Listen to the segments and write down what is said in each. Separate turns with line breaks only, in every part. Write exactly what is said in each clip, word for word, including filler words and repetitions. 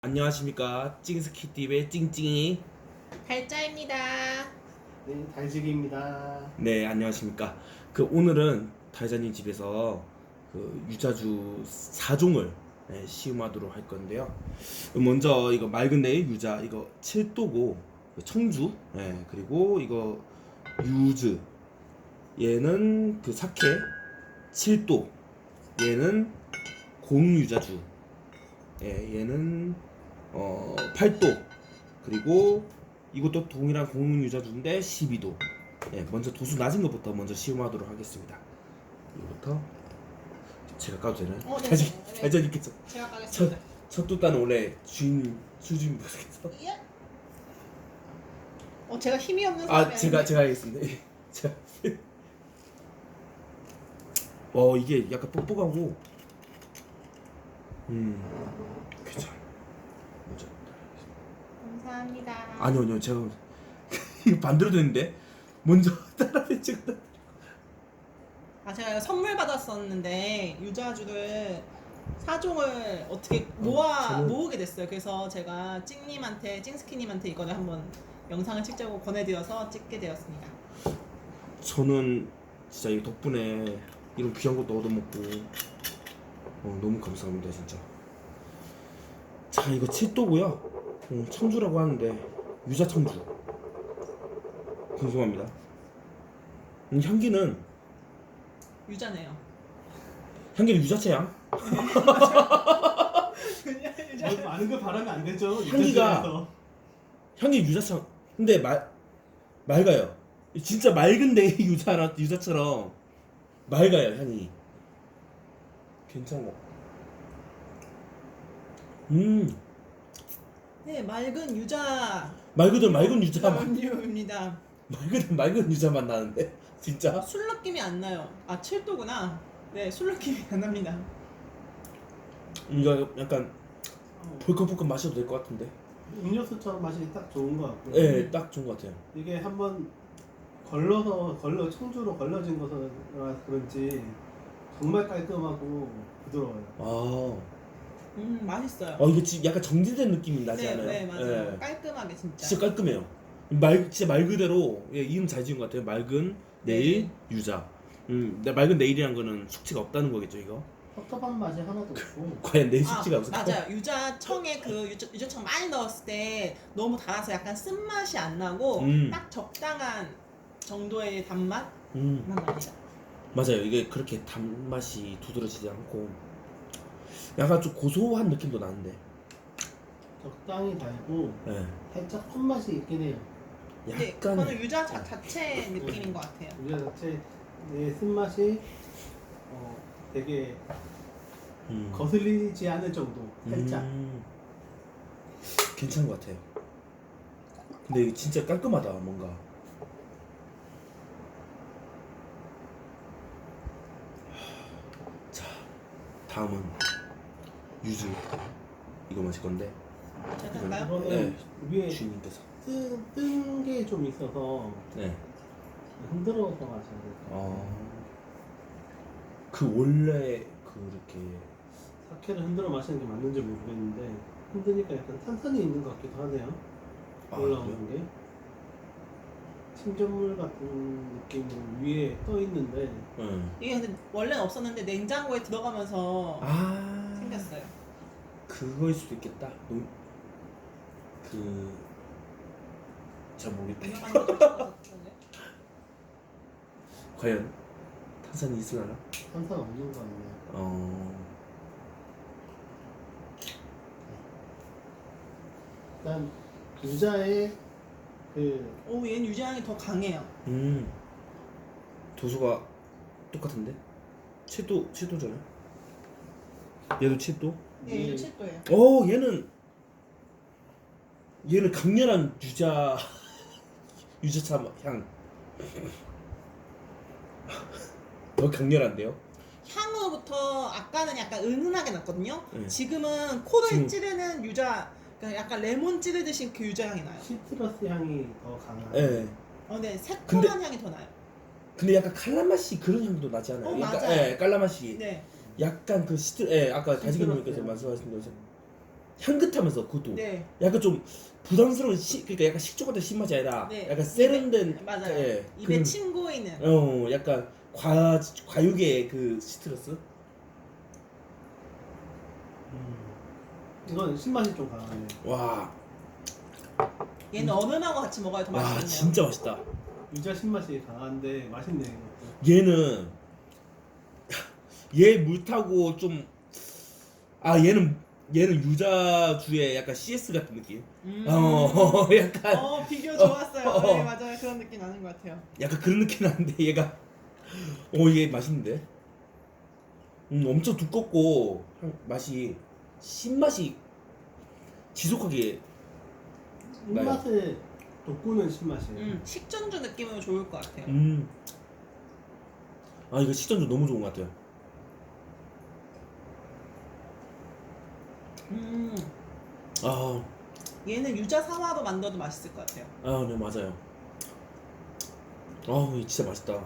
안녕하십니까, 찡스키팁의 찡찡이.
달짜입니다.
네, 달지기입니다.
네, 안녕하십니까. 그 오늘은 달자님 집에서 그 유자주 사 종을 네, 시음하도록 할 건데요. 먼저 이거 맑은 내일 유자, 이거 칠 도고 청주, 네, 그리고 이거 유즈, 얘는 그 사케 칠 도, 얘는 공유자주, 예, 얘는 어 팔 도, 그리고 이것도 동일한 공유자주인데 십이 도. 예, 먼저 도수 낮은 것부터 먼저 시음하도록 하겠습니다. 이거부터 제가 까도 되나요?
어, 네,
달자,
네, 네.
달자님께서
제가
첫,
가겠습니다.
첫 뚜따는 원래 주인 수주인 분께서
예? 어, 제가 힘이 없는 사람이
아 제가
아닌데.
제가 하겠습니다. 예, 제가 어 이게 약간 뻑뻑하고 음 괜찮아. 먼저
감사합니다.
아니요 아니요 제가 이거 반대로 됐는데 먼저 따라해 제가
아, 제가 이거 선물 받았었는데 유자주를 사 종을 어떻게 모아
저는-
모으게 됐어요. 그래서 제가 찡님한테 찡스키님한테 이거를 한번 영상을 찍자고 권해드려서 찍게 되었습니다.
저는 진짜 이 덕분에 이런 귀한 것도 얻어먹고 어, 너무 감사합니다 진짜. 자 이거 칠 도고요. 어, 청주라고 하는데 유자 청주 궁금합니다. 음, 향기는
유자네요.
향기는 유자채 향.
그냥
뭐
유자.
많은 걸 바라면 안 되죠.
향기가-
유자주에서.
향기 유자채 향. 근데 말 맑아요. 진짜 맑은데 유자라 유자처럼 맑아요 향이. 괜찮아. 음
네, 맑은 유자.
말 그대로 맑은 유자 맛.
음료입니다.
말 그대로 맑은 유자 맛 나는데 진짜.
술 느낌이 안 나요. 아, 칠 도구나. 네, 술 느낌이 안 납니다.
이거 약간 벌컥벌컥 마셔도 될 것 같은데.
음료수처럼 맛이 딱 좋은 것 같고.
예, 네, 딱 좋은 것 같아요.
이게 한번 걸러서 걸러 청주로 걸러진 거라 그런지 정말 깔끔하고 부드러워요.
아,
음, 맛있어요.
어 이거 지금 약간 정제된 느낌이 나지
네,
않아요?
네, 맞아요.
예.
깔끔하게 진짜.
진짜 깔끔해요. 말 진짜 말 그대로 예, 이름 잘 지은 것 같아요. 맑은 내일 유자. 음, 근데 맑은 내일이란 거는 숙취가 없다는 거겠죠, 이거?
텁텁한 맛이 하나도 없고.
과연 내
아,
숙취가 없을까?
맞아요. 유자청에 그 유자, 유자청 많이 넣었을 때 너무 달아서 약간 쓴맛이 안 나고
음.
딱 적당한 정도의 단맛만
음,
납니다.
맞아요. 이게 그렇게 단맛이 두드러지지 않고 약간 좀 고소한 느낌도 나는데.
적당히 달고
예.
살짝 손맛이 있긴 해요.
근데
약간
그거는 유자 자, 자체 느낌인 것 같아요.
유자 자체의 쓴맛이 어, 되게
음.
거슬리지 않을 정도. 살짝.
음, 괜찮은 것 같아요. 근데 이게 진짜 깔끔하다 뭔가. 자, 다음은 유즈 이거 마실 건데
제가 할까요?
이거는
네.
위에
주인님께서.
뜬 게 좀 있어서
네.
흔들어서 마셔야 돼요.
어. 그 원래 그렇게
사케를 흔들어 마시는 게 맞는지 모르겠는데 흔드니까 약간 탄산이 있는 것 같기도 하네요.
아,
올라오는 게 침전물 같은 느낌으로 위에 떠 있는데
응.
이게 근데 원래는 없었는데 냉장고에 들어가면서
아
생겼어요.
그거일 수도 있겠다. 너무 그. 잘 모르겠다.
유명한 거 좀 그런데?
과연 탄산이 있으려나?
탄산 없는 거 같네요.
어.
일단 유자의 그
오, 얘는 유자향이 더 강해요.
음. 도수가 똑같은데? 칠 도, 칠 도잖아. 얘도 칠 도?
네,
예.
얘도 칠 도예요.
어, 얘는 얘는 강렬한 유자 유자차 향. 더 강렬한데요?
향으로부터 아까는 약간 은은하게 났거든요.
네.
지금은 코를
지금-
찌르는 유자, 그러니까 약간 레몬 찌르듯이 그 유자 향이 나요.
시트러스 향이 더 강한.
예.
어, 근데 새콤한
근데-
향이 더 나요.
근데 약간 칼라맛이 그런 향도 나지 않아요?
어,
약간,
맞아요.
예, 깔라맛이.
네.
약간 그 시트, 예, 아까
시트러스
다지기님께서
향.
말씀하신 것처럼 향긋하면서 그것도
네.
약간 좀 부담스러운 시, 그러니까 약간 식초 같은 신맛이 아니라
네.
약간 세련된
맞아요.
예,
입에
그런-
침 고이는.
어 약간 과 과육의 그 시트러스.
음. 이건 신맛이 좀 강하네.
와,
얘는 얼음하고 같이 먹어야 더
와
맛있네요.
진짜 맛있다.
유자 신맛이 강한데 맛있네 이것도.
얘는 얘 물 타고 좀 아 얘는 얘는 유자주의 약간 씨에스 같은 느낌.
음.
어 약간
어 비교 좋았어요.
어, 어.
네 맞아요. 그런 느낌 나는 것 같아요.
약간 그런 느낌 나는데 얘가 어 얘 맛있는데. 음 엄청 두껍고 향- 맛이 신맛이 지속하게 나요.
입맛에 돋구는 신맛이에요.
음 식전주 느낌으로 좋을 것 같아요.
음. 아 이거 식전주 너무 좋은 것 같아요.
음
아,
얘는 유자 사와로 만들어도 맛있을 것 같아요.
아, 네 맞아요. 아, 이거 진짜 맛있다.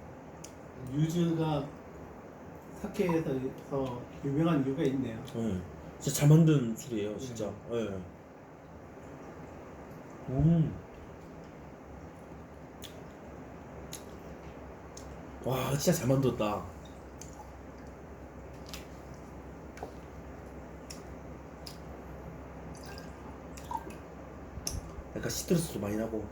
유즈가 사케에서 유명한 이유가 있네요.
네. 진짜 잘 만든 술이에요, 진짜. 네. 음. 와, 진짜 잘 만들었다. 약간 시트러스도 많이 나고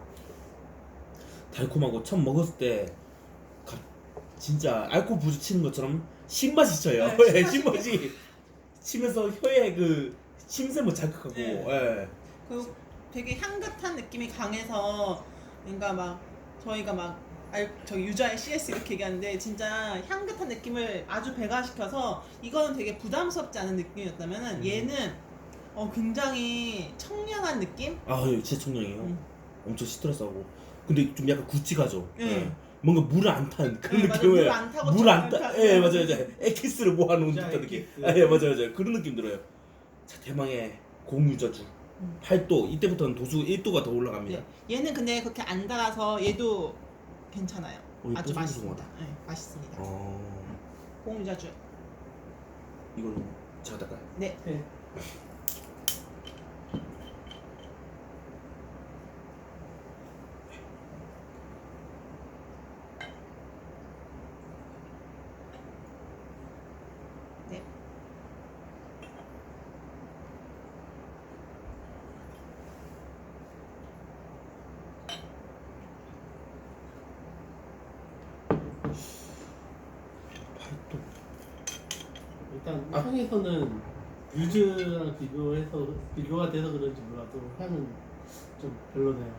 달콤하고 처음 먹었을 때 가- 진짜 알코올 부딪히는 것처럼 신맛이 쳐요.
네,
예,
신맛이
신맛이 치면서 혀에 그 침샘을 자극하고
네.
예.
그리고 되게 향긋한 느낌이 강해서 그러니까 막 저희가 막 알, 저 유자의 씨에스 이렇게 얘기하는데 진짜 향긋한 느낌을 아주 배가시켜서 이거는 되게 부담스럽지 않은 느낌이었다면은
음.
얘는 어 굉장히 청량한 느낌?
아, 이거 진짜 청량해요.
음.
엄청 시트러스하고 근데 좀 약간 굵직하죠.
네.
예. 뭔가 물을 안 탄 그런
네, 맞아요.
느낌의
물안 타고
물안
좀
타.
타-
예, 맞아요, 맞아요. 에키스를 모아놓은
유자
듯한 느낌.
에키스.
아, 예, 맞아요, 맞아요. 그런 느낌 들어요. 자, 대망의 공유자주
음.
팔 도 이때부터는 도수 일 도가 더 올라갑니다.
네. 얘는 근데 그렇게 안 달아서 얘도 괜찮아요.
어,
아주
이거
맛있습니다. 네, 맛있습니다.
어,
공유자주.
이걸로 제가 닦아요.
네.
네.
네.
팔 도.
일단
아.
향에서는 유즈랑 비교해서 비교가 돼서 그런지 몰라도 향은 좀 별로네요.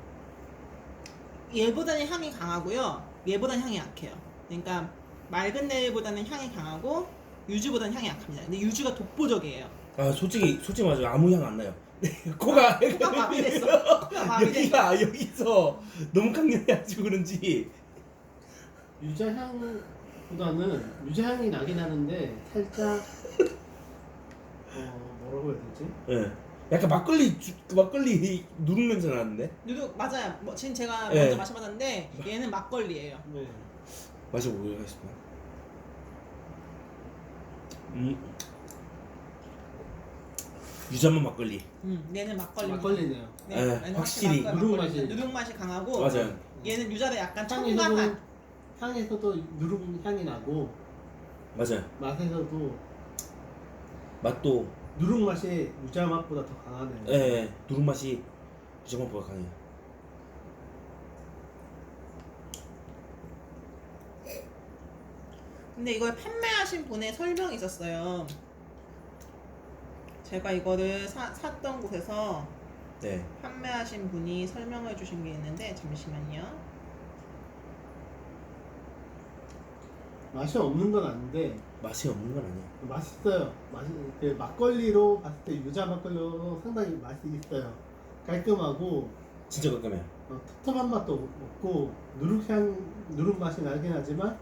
얘보다는 향이 강하고요. 얘보다는 향이 약해요. 그러니까 맑은 내일보다는 향이 강하고 유주보다는 향이 약합니다. 근데 유주가 독보적이에요.
아, 솔직히 솔직히 말하면 아무 향 안 나요. 코가
코가 마비됐어. 코가 마비됐어.
여기가 여기서 너무 강렬해가지고 그런지
유자 향보다는 유자 향이 나긴 하는데 살짝 어 뭐라고 해야 되지?
예. 약간 막걸리 주, 그 막걸리 누룩 냄새 나는데
누룩 맞아요. 뭐 지금 제가
예.
먼저 마셔봤는데 얘는 막걸리예요.
네.
마셔보겠습니다. 음. 유자만 막걸리.
음, 얘는 막걸리.
막걸리네요.
네,
예,
얘는
확실히
막걸리,
누룩
막걸리.
맛이-
누룩 맛이 강하고
맞아요.
얘는 유자를 약간
향에서도
첨가한.
향에서도 누룩 향이 나고
맞아요.
맛에서도
맛도
누룩 맛이 유자 맛보다 더 강하네요.
예, 예. 누룩 맛이 유자만보다 강해요.
근데 이걸 판매하신 분의 설명이 있었어요. 제가 이거를 사, 샀던 곳에서
네.
판매하신 분이 설명해 주신 게 있는데 잠시만요.
맛이 없는 건 아닌데
맛이 없는 건 아니에요.
맛있어요. 맛이 그 막걸리로 봤을 때 유자 막걸리로 상당히 맛이 있어요. 깔끔하고
진짜 깔끔해요.
어, 텁텁한 맛도 없고 누룩향 누룩 맛이 나긴 하지만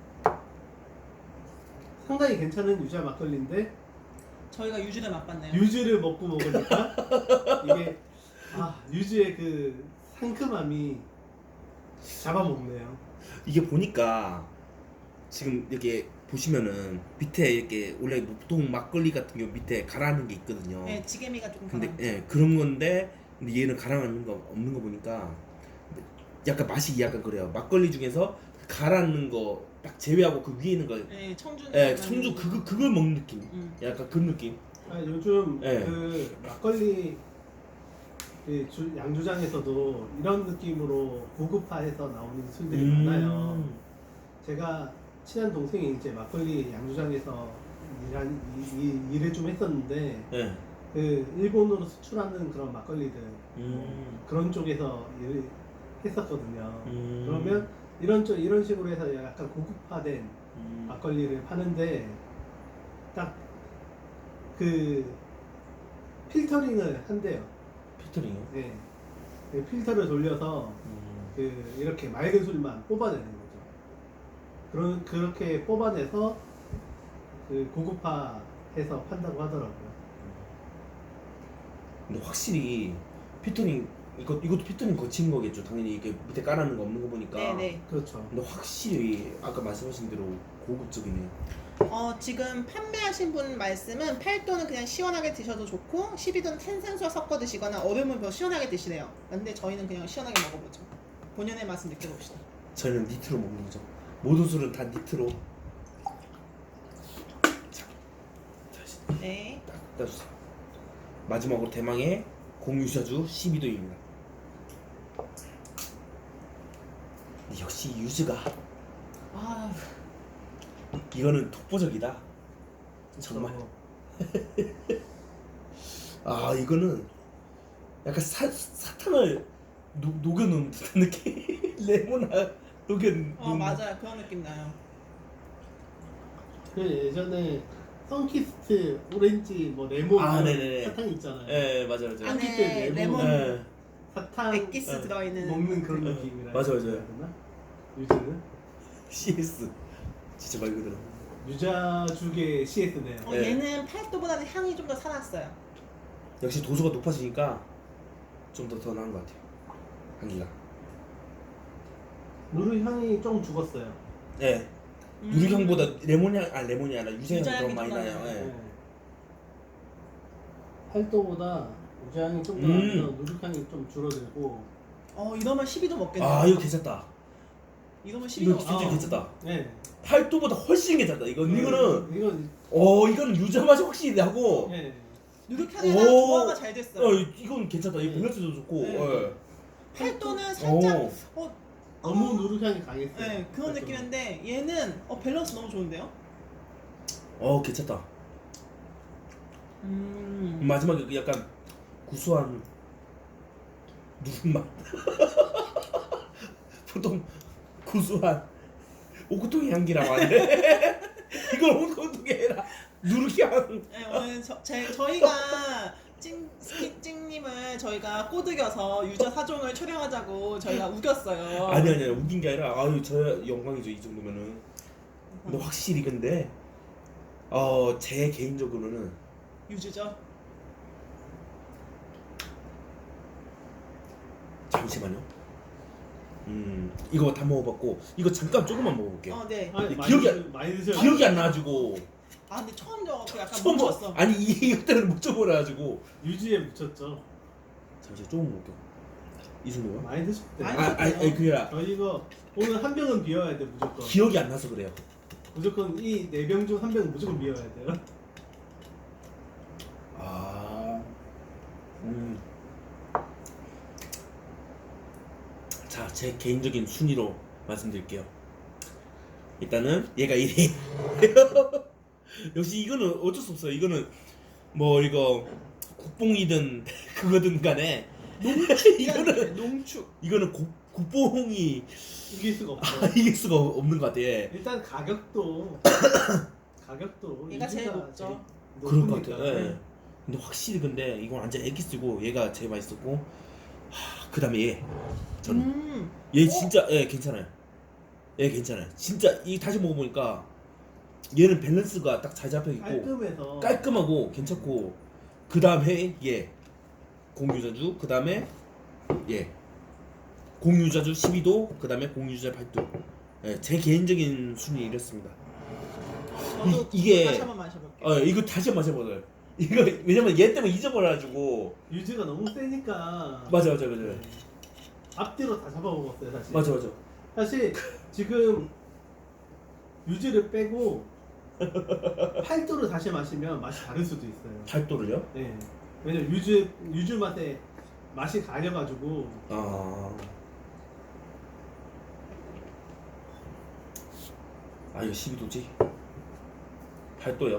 상당히 괜찮은 유자 막걸리인데
저희가 유주를 맛봤네요.
유즈를 먹고 먹으니까 이게 아 유즈의 그 상큼함이 잡아먹네요.
이게 보니까 지금 이렇게 보시면은 밑에 이렇게 원래 보통 막걸리 같은 경우 밑에 가라앉는 게 있거든요.
네, 지게미가 조금
근데
강하죠.
예 그런 건데 근데 얘는 가라앉는 거 없는 거 보니까 약간 맛이 약간 그래요. 막걸리 중에서 가라앉는 거 딱 제외하고 그 위에 있는 거,
네, 청주.
예 청주 그거 그걸 먹는 느낌.
음.
약간 그런 느낌.
아, 요즘
네.
그 막걸리 그 주, 양조장에서도 이런 느낌으로 고급화해서 나오는 술들이
음.
많아요. 제가 친한 동생이 이제 막걸리 양조장에서 일한, 이, 이, 일을 좀 했었는데
예.
그 일본으로 수출하는 그런 막걸리들
음.
그런 쪽에서 일을 했었거든요.
음.
그러면 이런 쪽 이런 식으로 해서 약간 고급화된
음.
막걸리를 파는데 딱 그 필터링을 한대요.
피터링이요.
네. 그 필터를 돌려서
음.
그 이렇게 맑은 술만 뽑아내는 거죠. 그런 그렇게 뽑아내서 그 고급화해서 판다고 하더라고요.
근데 확실히 피터링 이거 이것도 피터링 거친 거겠죠. 당연히 이게 밑에 깔아놓은 거 없는 거 보니까.
네네.
그렇죠.
근데 확실히 아까 말씀하신 대로 고급적이네요.
어, 지금 판매하신 분 말씀은 팔 도는 그냥 시원하게 드셔도 좋고 십이 도는 탄산수와 섞어 드시거나 얼음을 더 시원하게 드시래요. 근데 저희는 그냥 시원하게 먹어보죠. 본연의 맛을 느껴봅시다.
저희는 니트로 먹는 거죠. 모든 술은 다 니트로. 자, 다시
네.
딱 따주세요. 마지막으로 대망의 공유자주 십이 도입니다. 역시 유즈가
아,
이거는 독보적이다. 정말. 아 이거는 약간 사, 사탕을 노, 녹여놓은 듯한 느낌. 레몬아 녹여놓은.
어 맞아요. 그런 느낌 나요.
그 예전에 선키스트 오렌지 뭐 레몬
아,
이런
네네네.
사탕 있잖아요.
예 맞아 맞아.
안에
선키스트 레몬,
레몬
예.
사탕
액기스
어,
들어있는
먹는 그런
어,
느낌이라
맞아, 맞아요.
해야 되나? 유즈는
씨에스 진짜 말 그대로.
유자죽의 씨에스네요.
어,
네.
얘는 팔 도보다는 향이 좀 더 살았어요.
역시 도수가 높아지니까 좀 더 더 나은 것 같아요. 향기가.
누르 향이 좀 죽었어요.
예.
음.
유리향보다 레몬향 아 레몬이 아니라 유자향이
유자향이
더 많이
좀
나요.
나요.
예.
네. 팔도보다 유자향이 좀 더
음.
나면서 누룩향이 좀 줄어들고.
어 이러면 십이 도 먹겠네요.
아 이거 괜찮다.
이러면 십이 도
이거
먹겠네요.
진짜 괜찮다.
네.
팔 도보다 훨씬 괜찮다. 이건 이거는
이건
어 이거는 유자 맛이 확실히 나고.
네.
누룩향이랑
오.
조화가 잘 됐어요.
어 이건 괜찮다. 이거 밸런스도 좋고.
네.
예.
팔 도는 살짝
오.
어,
너무
어,
누룩향이 강했어요.
네 그런
팔도.
느낌인데 얘는 어 밸런스 너무 좋은데요?
어 괜찮다.
음.
마지막에 그 약간 구수한 누룩맛. 보통 구수한 오크통의 향기라고 하는데 이건 오크통이 아니라 누룩향.
네, 오늘 저, 제, 저희가 찡 스키찡님을 저희가 꼬드겨서 유저 사종을 촬영하자고 저희가 우겼어요.
아니 아니 웃긴 게 아니라 아유 저 영광이죠 이 정도면은. 근데 확실히 근데 어 제 개인적으로는
유주죠.
잠시만요. 음 이거 다 먹어봤고 이거 잠깐 조금만 먹어볼게요.
어, 네.
아니,
기억이
많이,
안-
드셔- 많이 드셔요.
기억이 안 나가지고
아 근데 처음 저갖고 약간
처음 먹
뭉쳤어.
아니 이것들은 못 줘버려가지고
유지에 묻혔죠.
잠시 조금 먹을게요. 이 정도요?
많이 드실 때.
많이
아 아니 아니 그게 아니라
저 이거 오늘 한 병은 비워야 돼 무조건.
기억이 안 나서 그래요.
무조건 이 네 병 중 한 병은 무조건 비워야 돼요.
아, 음. 자, 제 개인적인 순위로 말씀드릴게요. 일단은 얘가 일 위. 역시 이거는 어쩔 수 없어요. 이거는 뭐 이거 국뽕이든 그거든 간에 이거는
농축.
이거는 국, 국뽕이
이길 수가 없어.
아, 이길 수가 없는 것 같아. 예.
일단 가격도 가격도
얘가 제일
유지가
높죠.
제일
그럴 것
높으니까.
같아요. 예. 근데 확실히 근데 이건 완전 에기스고 얘가 제일 맛있었고 하, 그다음에 얘 저는
음.
얘 진짜 예 괜찮아요. 얘 괜찮아요. 진짜 이 다시 먹어보니까 얘는 밸런스가 딱 잘 잡혀 있고
깔끔해서
깔끔하고 괜찮고 그 다음에 얘 공유자주 그 다음에 얘 공유자주 십이 도 그 다음에 공유자 팔 도 예, 제 개인적인 순위 이랬습니다.
저도
이, 이게
다시 한번 마셔볼게요.
어 이거 다시 한번 마셔보세요. 이거 왜냐면 얘 때문에 잊어버려가지고.
유즈가 너무 세니까.
맞아 맞아 맞아
네. 앞뒤로 다 잡아먹었어요 사실.
맞아 맞아.
사실 지금 유즈를 빼고 팔도를 다시 마시면 맛이 다를 수도 있어요.
팔도를요?
네. 왜냐면 유즈 유즈 맛에 맛이 가려가지고.
아. 아 이거 십이 도지? 팔도요?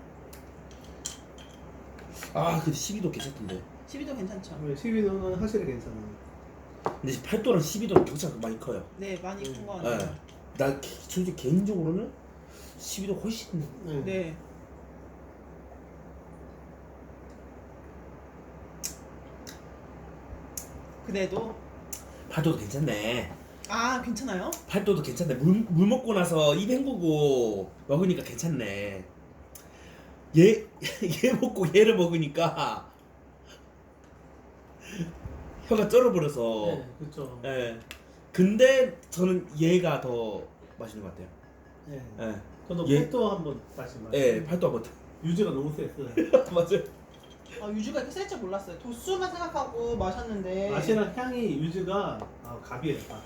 아 근데 십이 도 괜찮던데.
십이 도 괜찮죠?
십이 도는 확실히 괜찮아요.
근데 팔 도랑 십이 도는 격차가 많이 커요.
네, 많이 큰 거
네.
같아요.
나 개- 솔직히 개인적으로는 십이 도 훨씬
네.
네. 그래도
팔 도도 괜찮네.
아 괜찮아요?
팔 도도 괜찮네. 물, 물 먹고 나서 입 헹구고 먹으니까 괜찮네. 얘, 얘 먹고 얘를 먹으니까 혀가 쩔어버려서.
네, 그렇죠.
예. 근데 저는 얘가 더 맛있는 것 같아요.
네.
예.
저도
얘-
팔도 한번 다시 마시.
예, 팔도 한번.
유즈가 너무 셌어요.
맞아요.
아 유주가 이렇게 셀 줄 몰랐어요. 도수만 생각하고 마셨는데
맛이랑 향이 유즈가 아, 갑이에요. 갑.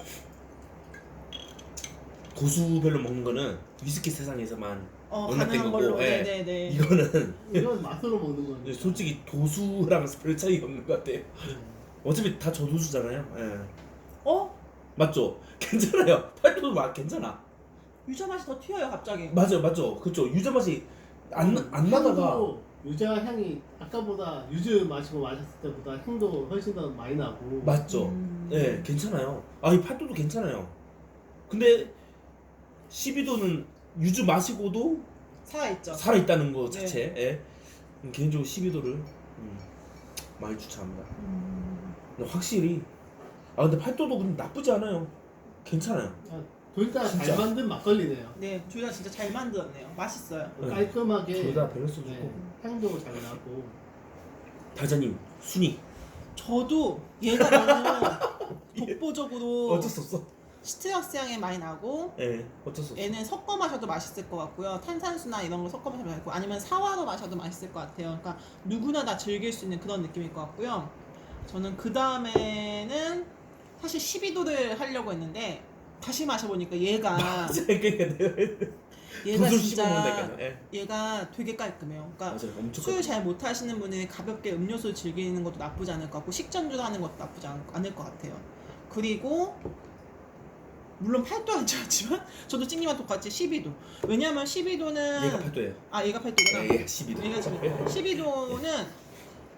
도수별로 먹는 거는 위스키 세상에서만
어
용납된
가능한
거고,
걸로.
예.
네네네.
이거는
이건 맛으로 먹는 거니까.
솔직히 도수랑 별 차이가 없는 것 같아요.
네.
어차피 다 저도수잖아요. 예.
어?
맞죠? 괜찮아요. 팔도도 맛 괜찮아.
유자 맛이 더 튀어요 갑자기.
맞아요, 맞죠? 그쵸? 유자 맛이 안, 안 나다가.
향도 유자 향이 아까보다 유즈 마시고 마셨을 때보다 향도 훨씬 더 많이 나고.
맞죠?
음.
예, 괜찮아요. 아, 이 팔도도 괜찮아요. 근데 십이 도는 유주 마시고도
살아있죠.
살아있다는 거
네.
자체. 예. 음, 개인적으로 십이 도를 음, 많이 추천합니다.
음.
근데 확실히 아 근데 팔도도 근데 나쁘지 않아요. 괜찮아요.
둘 다 잘
진짜.
만든 막걸리네요.
네, 둘 다 진짜 잘 만들었네요. 맛있어요.
네.
깔끔하게.
둘 다 밸런스 좋고.
네, 향도 잘 나고.
다자님 순위
저도 얘가 너무 독보적으로
어쩔 수 없어.
시트러스 향이 많이 나고
예, 어쩔 수 없어.
얘는 섞어 마셔도 맛있을 것 같고요. 탄산수나 이런 거 섞어 마셔도 맛있고 아니면 사와로 마셔도 맛있을 것 같아요. 그러니까 누구나 다 즐길 수 있는 그런 느낌일 것 같고요. 저는 그 다음에는 사실 십이 도를 하려고 했는데 다시 마셔보니까 얘가
그러니까 내가
얘가
도수
진짜
씹어먹는다니까요. 예.
얘가 되게 깔끔해요. 그러니까
맞아요, 엄청.
술 잘 못하시는 분은 가볍게 음료수 즐기는 것도 나쁘지 않을 것 같고 식전주로 하는 것도 나쁘지 않, 않을 것 같아요. 그리고 물론 팔 도 안 좋았지만 저도 찡님과 똑같이 십이 도. 왜냐하면 십이 도는
얘가 팔도예요.
아 얘가 팔 도구나.
예, 얘가 십이 도.
얘가 십이, 십이 도는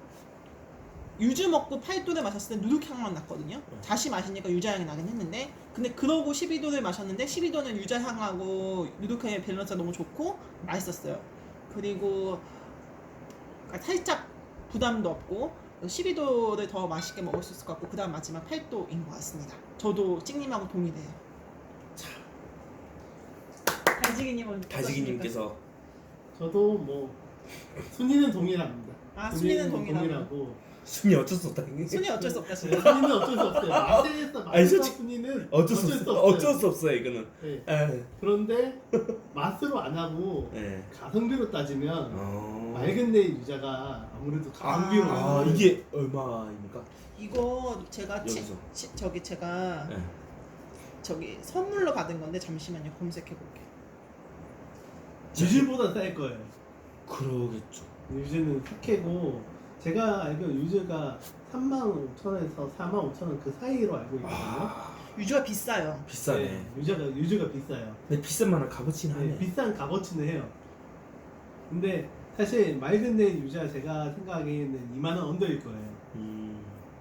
유주 먹고 팔 도를 마셨을 때 누룩향만 났거든요. 다시 마시니까 유자향이 나긴 했는데 근데 그러고 십이 도를 마셨는데 십이 도는 유자향하고 누룩향의 밸런스가 너무 좋고 맛있었어요. 그리고 살짝 부담도 없고 십이 도를 더 맛있게 먹을 수 있을 것 같고 그 다음 마지막 팔 도인 것 같습니다. 저도 찡님하고 동의돼요. 달지기님은
다지기님께서
저도 뭐 순위는 동일합니다.
아, 순위는 동일하고.
동일하고.
순위 어쩔 수 없다.
순위 어쩔 수 없다
네,
진짜.
순위는 어쩔 수 없어요. 맛에서
아니,
맛의
솔직히
순위는
어쩔 수 없어. 어쩔 수 없어요 이거는.
네.
예.
그런데 맛으로 안 하고
예.
가성비로 따지면
어.
맑은 내 유자가 아무래도 가성비로.
아
나오는
이게 얼마입니까?
이거 제가 치,
여기서.
치, 저기 제가
예.
저기 선물로 받은 건데 잠시만요 검색해 볼게요.
유즈보다 쌀 거예요.
그러겠죠.
유즈는 사케고 제가 알기로 유즈가 삼만 오천 원에서 사만 오천 원 그 사이로 알고 있거든요.
아
유주가 비싸요.
비싸네.
네, 유자가 유즈가 비싸요.
근데 비싼 만한 값어치는
네,
하네.
비싼 값어치는 해요. 근데 사실 맑은 내 유자 제가 생각하기에는 이만 원 언더일 거예요.
음.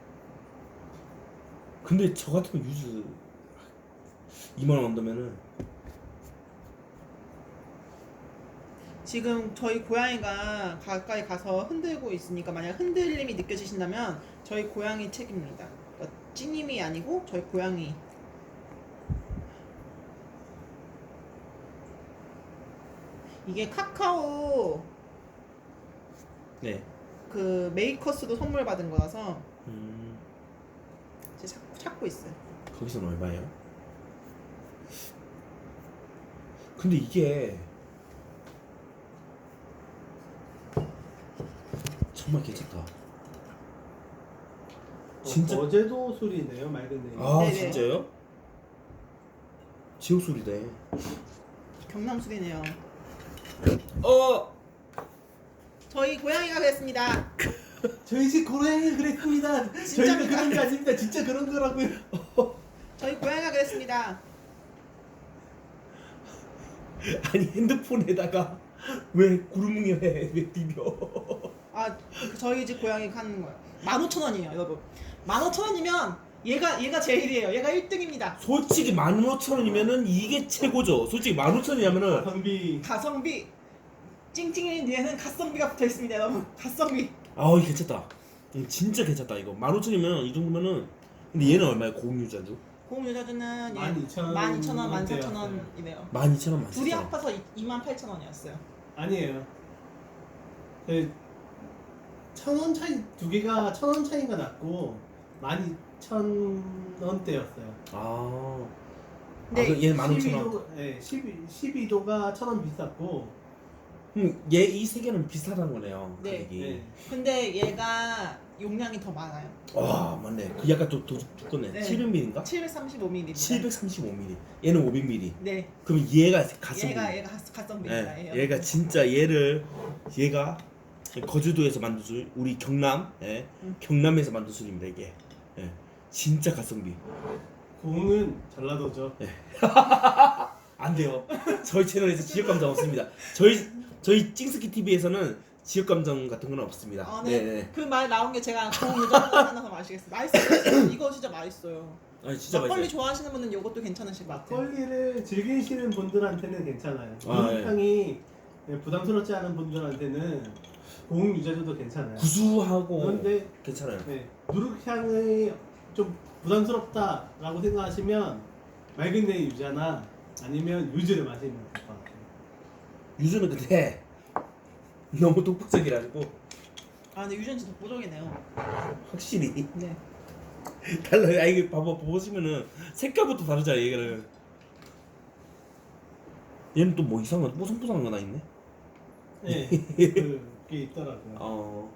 근데 저 같으면 유즈 이만 원 언더면은
지금 저희 고양이가 가까이 가서 흔들고 있으니까 만약 흔들림이 느껴지신다면 저희 고양이 책임입니다. 그러니까 찌님이 아니고 저희 고양이. 이게 카카오
네.
그 메이커스도 선물 받은 거라서
음.
이제 찾고, 찾고 있어요.
거기서는 얼마예요? 근데 이게 정말 괜찮다.
진짜
진짜.
어제도 술이네요, 맑은 내일.
아
네네.
진짜요? 지옥 소리네.
경남 술이네요.
어.
저희 고양이가 그랬습니다.
저희 집 고양이 그랬습니다. 저희가
진짜입니까?
그런 게 아닙니다. 진짜 그런 거라고요.
저희 고양이가 그랬습니다.
아니 핸드폰에다가 왜 구름뭉이 왜, 왜 비벼?
아, 그 저희 집 고양이 하는 거예요. 만 오천 원이에요, 여러분. 만 오천 원이면 얘가 얘가 제일이에요. 얘가 일 등입니다.
솔직히 만 오천 원이면은 이게 최고죠. 솔직히 만 오천 원이면은
성비
가성비 찡찡이 뒤에는 갓성비가 붙어 있습니다, 여러분. 갓성비.
아우 괜찮다. 음, 진짜 괜찮다 이거. 만 오천 원이면 이 정도면은. 근데 얘는 얼마야 고음유자주?
고음 유자주는
만 이천 원
만 이천 원, 만 사천
원대였어요.
원이네요.
만 이천 원 만
둘이
사천 원.
합해서 이만 팔천 원이었어요.
아니에요. 그 천 원 차이 두 개가 천 원 차이가 났고 만 이천 원대였어요.
아.
네.
아, 그 얘는 만 오천 원.
네, 십이 도가 천 원 비쌌고.
음, 얘 이 세 개는 비슷하다는 거네요.
네.
가격이.
네.
근데 얘가 용량이 더 많아요.
와 맞네. 그 약간 또 더 두껍네.
네.
칠백 밀리리터인가?
칠백삼십오 밀리리터.
칠백삼십오 밀리리터. 얘는 오백 밀리리터.
네.
그럼 얘가 가성비.
얘가 얘가 갓- 갓성비입니다.
예,
얘.
얘가 진짜 얘를 얘가 거주도에서 만든 술, 우리 경남, 예,
음.
경남에서 만든 술입니다 이게. 예, 진짜 가성비.
공은 전라도죠.
안 돼요. 저희 채널에서 지역 감정 없습니다. 저희 저희 찡스키 티비에서는 지역 감정 같은 건 없습니다.
아,
네,
네.
네.
그 말 나온 게 제가 고음 유자 하나서 마시겠어요. 맛있어요. 이거 진짜 맛있어요.
아니 진짜
막걸리
맛있어요.
좋아하시는 분은 이것도 괜찮으실 것 같아요.
막걸리를 즐기시는 분들한테는 괜찮아요.
아, 예.
향이 부담스럽지 않은 분들한테는 고흥 유자주도 괜찮아요.
구수하고
그런데
괜찮아요.
네, 누룩향이 좀 부담스럽다라고 생각하시면 맑은 내 유자나 아니면 유즈를 마시면 될 것 같아요.
유주는 근데 너무 독보적이라고
아, 근데 유전 진짜 보정이네요.
확실히
네.
달라요. 아 이게 봐봐 보시면은 색깔부터 다르잖아 얘는. 얘는 또 뭐 이상한 뽀송뽀송한 거 나 있네.
네, 그게 있더라고요.
어.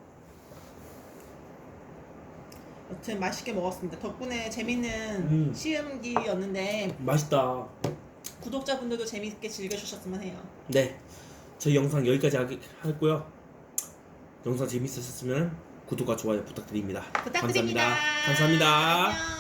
여튼 맛있게 먹었습니다. 덕분에 재밌는
음.
시음기였는데
맛있다.
구독자분들도 재밌게 즐겨주셨으면 해요.
네, 저희 영상 여기까지 하, 하고요. 영상 재밌으셨으면 구독과 좋아요 부탁드립니다.
부탁드립니다.
감사합니다. 감사합니다.
안녕.